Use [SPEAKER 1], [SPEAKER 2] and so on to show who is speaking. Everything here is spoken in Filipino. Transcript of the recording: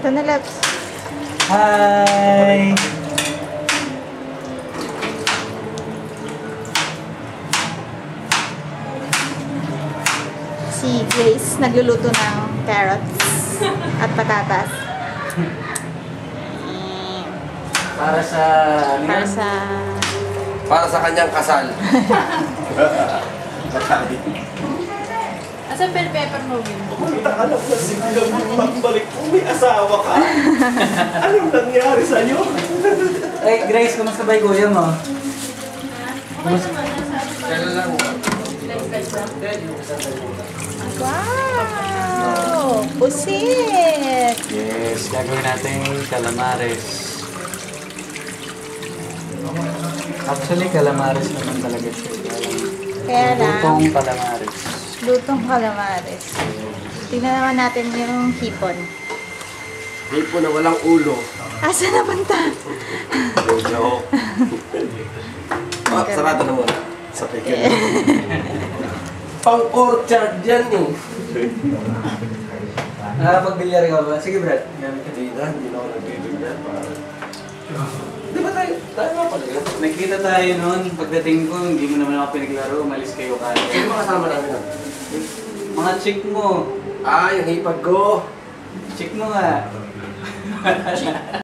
[SPEAKER 1] Ito na, Labs.
[SPEAKER 2] Hi!
[SPEAKER 1] Si Grace nagluluto ng carrots at patatas.
[SPEAKER 2] Para sa...
[SPEAKER 1] Para sa...
[SPEAKER 3] Para sa kanyang kasal.
[SPEAKER 4] Asan bell pepper mo, Will?
[SPEAKER 5] Alam na sigla mo pagbalik mo, may asawa ka. Anong nangyari sa'yo?
[SPEAKER 2] Ay, Grace, kumusta ba yung kuya mo?
[SPEAKER 3] Kailan lang.
[SPEAKER 1] Wow! Pusit!
[SPEAKER 2] Yes, gagawin natin calamares. Actually, calamares naman talaga siya.
[SPEAKER 1] Kaya lang,
[SPEAKER 2] Lutong calamares.
[SPEAKER 1] lutong calamares. Tingnan naman natin yung hipon.
[SPEAKER 3] Hipo na walang ulo.
[SPEAKER 1] Asa na punta?
[SPEAKER 3] Joke. Sarado na muna. Sa pekin. Pang-orchard dyan eh.
[SPEAKER 2] Nakapagbilyar ka ba? Sige, Brad. Gamit ka.
[SPEAKER 3] Hindi na ako nagbibigyan. Di ba tayo nga pala yun?
[SPEAKER 2] Nagkita tayo noon. Pagdating ko, hindi mo naman ako pinaglaro. Umalis kayo kaya.
[SPEAKER 3] Sino makasama namin nun?
[SPEAKER 2] Mga chick mo.
[SPEAKER 3] Ah, yung hipag ko.
[SPEAKER 2] Chick mo nga.